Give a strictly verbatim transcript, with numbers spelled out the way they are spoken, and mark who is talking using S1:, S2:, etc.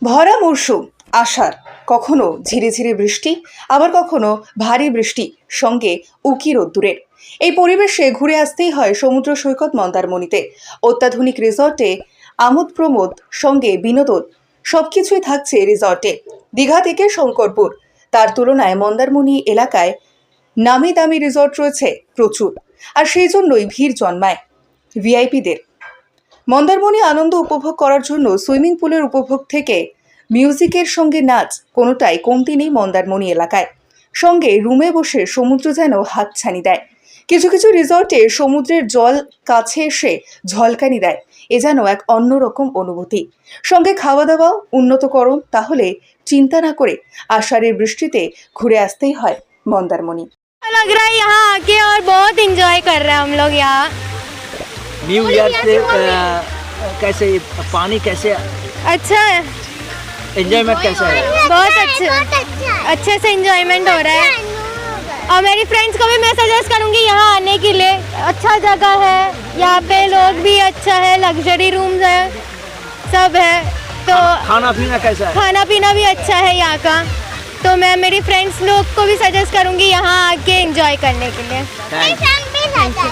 S1: ভরা মরশুম আষাঢ়, কখনো ঝিরিঝিরি বৃষ্টি, আবার কখনো ভারী বৃষ্টি, সঙ্গে উকি রোদ্দুরের এই পরিবেশে ঘুরে আসতেই হয় সমুদ্র সৈকত মন্দারমণিতে। অত্যাধুনিক রিসর্টে আমোদ প্রমোদ, সঙ্গে বিনোদন সবকিছুই থাকছে রিসর্টে। দীঘা থেকে শঙ্করপুর, তার তুলনায় মন্দারমণি এলাকায় নামি দামি রিসর্ট রয়েছে প্রচুর, আর সেই জন্যই ভিড় জন্মায় ভিআইপিদের। মন্দারমণি আনন্দ উপভোগ করার জন্য সুইমিং পুলের উপভোগ থেকে মিউজিকের সঙ্গে নাচ, কোনোটাই কমতি নেই মন্দারমণি এলাকায়। সঙ্গে রুমে বসে সমুদ্র যেন হাতছানি দেয়। কিছু কিছু রিসর্টে সমুদ্রের জল কাছে এসে ঝলকানি দেয়, এ যেন এক অন্যরকম অনুভূতি। সঙ্গে খাওয়া দাওয়াও উন্নতকরণ, তাহলে চিন্তা না করে আষাঢ়ের বৃষ্টিতে ঘুরে আসতেই হয় মন্দারমণি।
S2: लग रहा है यहाँ आके और बहुत एंजॉय कर रहे हैं हम लोग यहाँ।
S3: न्यू ईयर से अ, कैसे पानी कैसे
S2: अच्छा है,
S3: एंजॉयमेंट कैसा है?
S2: बहुत अच्छे अच्छे से एंजॉयमेंट हो रहा है। और मेरी फ्रेंड्स को भी मैं सजेस्ट करूँगी यहाँ आने के लिए। अच्छा जगह है, यहाँ पे लोग भी अच्छा है, लग्जरी रूम्स है, सब है। तो
S3: खाना पीना कैसा है?
S2: खाना पीना भी अच्छा है यहाँ का। तो मैं मेरी फ्रेंड्स लोग को भी सजेस्ट करूँगी यहाँ आके एंजॉय करने के लिए।
S3: Thank you.